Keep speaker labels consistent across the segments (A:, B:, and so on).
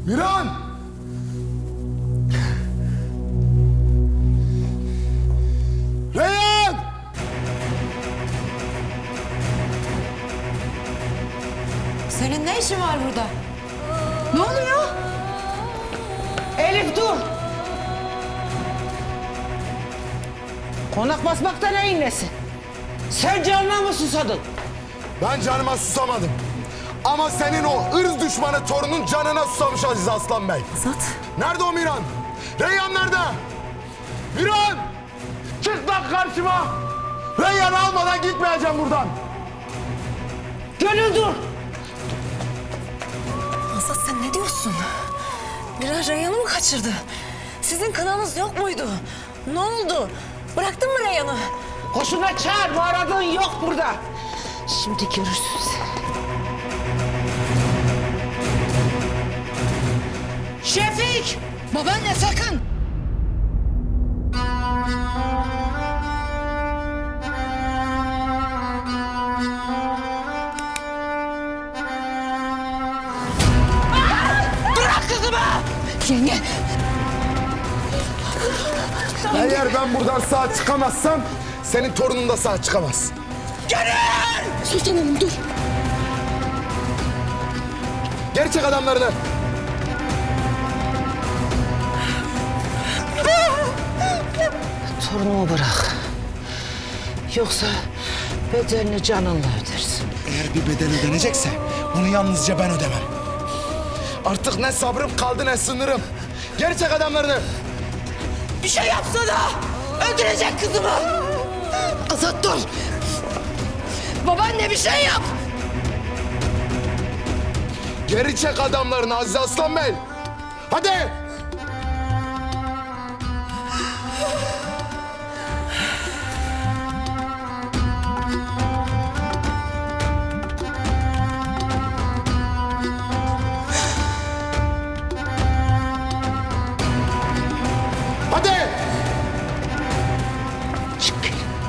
A: Miran! Reyhan!
B: Senin ne işin var burada?
C: Ne oluyor? Elif dur. Konak basmakta neyin nesi? Sen canına mı susadın?
A: Ben canıma susamadım. Ama senin o ırz düşmanı torunun canına susamış Aziz Aslan Bey.
B: Azat.
A: Nerede o Miran? Reyhan nerede? Miran! Çık lan karşıma! Reyhan'ı almadan gitmeyeceğim buradan.
C: Gönül dur.
B: Azat sen ne diyorsun? Biraz Reyhan'ı mı kaçırdı? Sizin kınanız yok muydu? Ne oldu? Bıraktın mı Reyhan'ı?
C: Hoşuna çağır, bu aradığın yok burada. Şimdi görürsün sen. Şefik!
B: Babaanne sakın!
C: Bırak kızımı!
B: Yenge!
A: Eğer ben buradan sağ çıkamazsam senin torunun da sağ çıkamaz.
C: Gönül!
B: Sultan Hanım dur!
A: Geri çek adamlarını.
C: Torunumu bırak. Yoksa bedelini canınla ödersin.
A: Eğer bir bedel ödenecekse bunu yalnızca ben ödemem. Artık ne sabrım kaldı ne sınırım. Geri çek adamlarını.
C: Bir şey yapsana! Öldürecek kızımı!
B: Azat dur! Babaanne bir şey yap!
A: Geri çek adamlarını Aziz Aslan Bey. Hadi. Hadi.
C: Çık.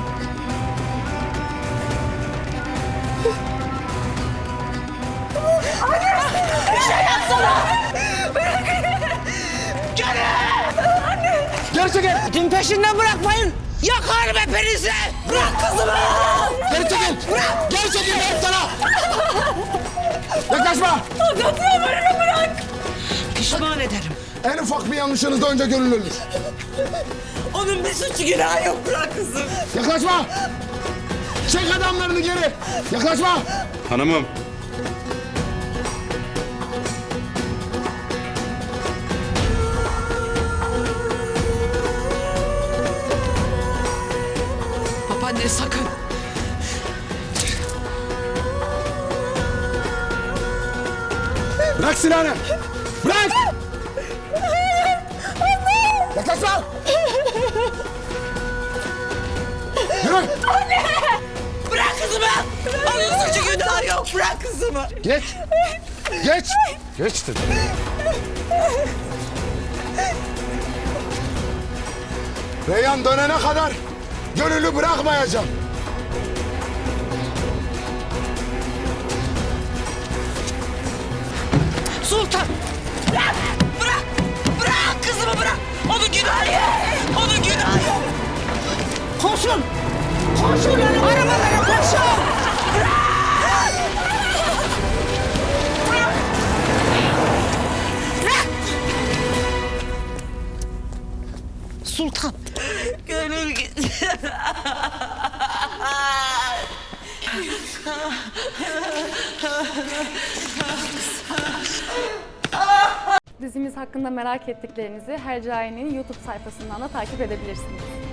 A: Geri çekil.
C: Din peşinden bırakmayın. Yakarım hepinizi. Bırak kızımı.
A: Geri çekil. Bırak. Geri çekil dedim sana. Yaklaşma.
C: Azat yalvarırım bırak. Pişman ederim.
A: En ufak bir yanlışınızda önce gönül ölür.
C: Onun bir suçu günahı yok. Bırak kızım.
A: Yaklaşma. Çek adamlarını geri. Yaklaşma.
D: Hanımım.
B: Babaanne sakın!
A: Bırak silahını. Bırak. Yaklaşma. Yürü.
C: Bırak kızımı. Onun suçu günahı yok. Bırak kızımı.
A: Geç. Geç. Geç dedim. Reyhan dönene kadar gönüllü bırakmayacağım.
C: Sultan. Bırak. Bırak. Bırak kızımı bırak. Onun günahı yok. Onun günahı yok. Koşun. Koşun. Arabalara koşun. Bırak. Bırak. Bırak. Sultan. Gönül gitti.
E: Dizimiz hakkında merak ettiklerinizi Hercai'nin YouTube sayfasından da takip edebilirsiniz.